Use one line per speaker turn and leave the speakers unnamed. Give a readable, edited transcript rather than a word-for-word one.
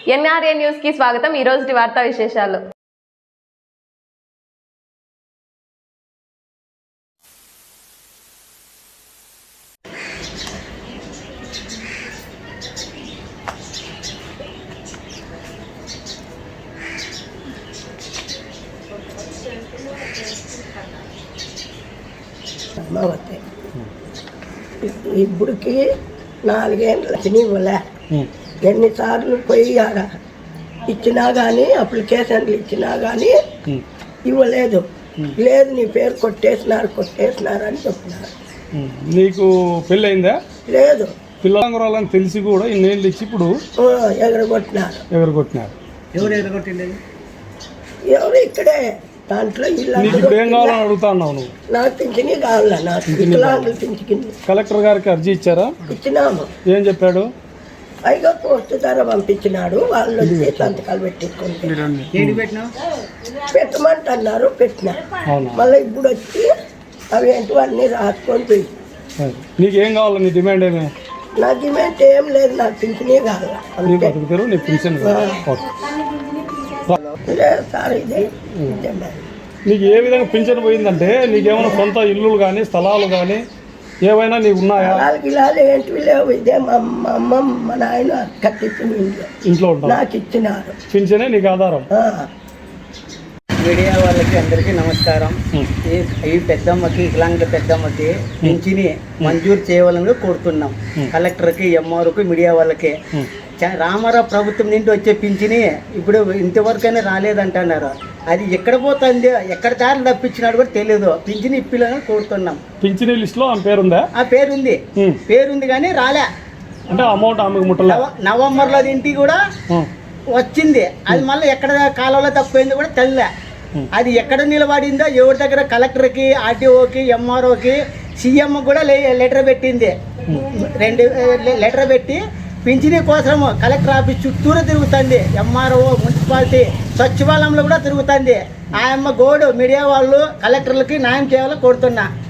NRA news కి స్వాగతం. ఈ రోజు వార్తా విశేషాలు.
ఇప్పటికి 4 ఏళ్ళు ఇవ్వలే. ఎన్నిసార్లు పోయారా ఇచ్చినా కానీ అప్లికేషన్లు ఇచ్చినా కానీ ఇవ్వలేదు. లేదు నీ పేరు కొట్టేసినారు అని చెప్తున్నారు.
నీకు పెళ్ళి అయిందా?
లేదు.
పిల్లలంగురాలని తెలిసి కూడా ఇన్నేళ్ళు ఇచ్చి ఇప్పుడు
ఎగరగొట్టినారు.
ఎవరు ఎగరగొట్టిండేది?
ఎవరు ఇక్కడే దాంట్లో
ఏం కావాలని అడుగుతా ఉన్నావు నువ్వు?
నాకు పింఛని కావాలా? నాకు వికలాంగులు పింఛని.
కలెక్టర్ గారికి అర్జీ ఇచ్చారా?
ఇచ్చినాము.
ఏం చెప్పాడు?
పైగా పోస్ట్ ధర పంపించినాడు. వాళ్ళు వచ్చి సంతకాలు పెట్టించుకుంటే పెట్టమంటున్నారు. పెట్టినా మళ్ళీ ఇప్పుడు వచ్చి అవి ఏంటివన్నీ రాసుకొని పోయి.
నీకేం కావాలి? నీ డిమాండ్ ఏమే?
నా డిమాండ్ ఏం లేదు. నాకు పింఛనే కావాలా.
నీ పింఛన్ నీకు ఏ విధంగా పింఛన్ పోయిందంటే నీకేమైనా సొంత ఇల్లులు కానీ స్థలాలు కానీ ఏవైనా నీకు ఉన్నాయా?
ఏంటివి లేవు. ఇదే మా అమ్మ మా నాయన కట్టించిన ఇంట్లో నాకు ఇచ్చినారు.
పింఛనే నీకు ఆధారం.
మీడియా వాళ్ళకి అందరికీ నమస్కారం. ఈ పెద్దమ్మకి వికలాంగుల పెద్దమ్మకి పింఛని మంజూరు చేయాలని కోరుతున్నాం. కలెక్టర్కి, ఎంఆర్ఓకి, మీడియా వాళ్ళకి. రామారావు ప్రభుత్వం నుండి వచ్చే పింఛని ఇప్పుడు ఇంతవరకైనా రాలేదంటున్నారు. అది ఎక్కడ పోతుంది, ఎక్కడ దారి తప్పించినాడు కూడా తెలియదు. పింఛని ఇప్పిలని కోరుతున్నాం.
పింఛనీ లిస్ట్ లో ఆమె పేరుందా?
ఆ పేరుంది కానీ రాలే.
అంటే అమౌంట్ ఆమెకు ముట్టలే.
నవంబర్లో ఇంటికి కూడా వచ్చింది. అది మళ్ళీ ఎక్కడ కాలంలో తప్పిపోయింది కూడా తెల్లే. అది ఎక్కడ నిలబడిందో ఎవరి దగ్గర కలెక్టర్కి, ఆర్టీఓకి, ఎంఆర్ఓకి, సీఎం కూడా లెటర్ పెట్టింది. 2 లెటర్ పెట్టి పింఛనీ కోసం కలెక్టర్ ఆఫీస్ చుట్టూరు తిరుగుతుంది. ఎంఆర్ఓ, మున్సిపాలిటీ, సచివాలయంలో కూడా తిరుగుతుంది. ఆయమ్మ గోడు మీడియా వాళ్ళు కలెక్టర్లకి న్యాయం చేయాలని కోరుతున్నా.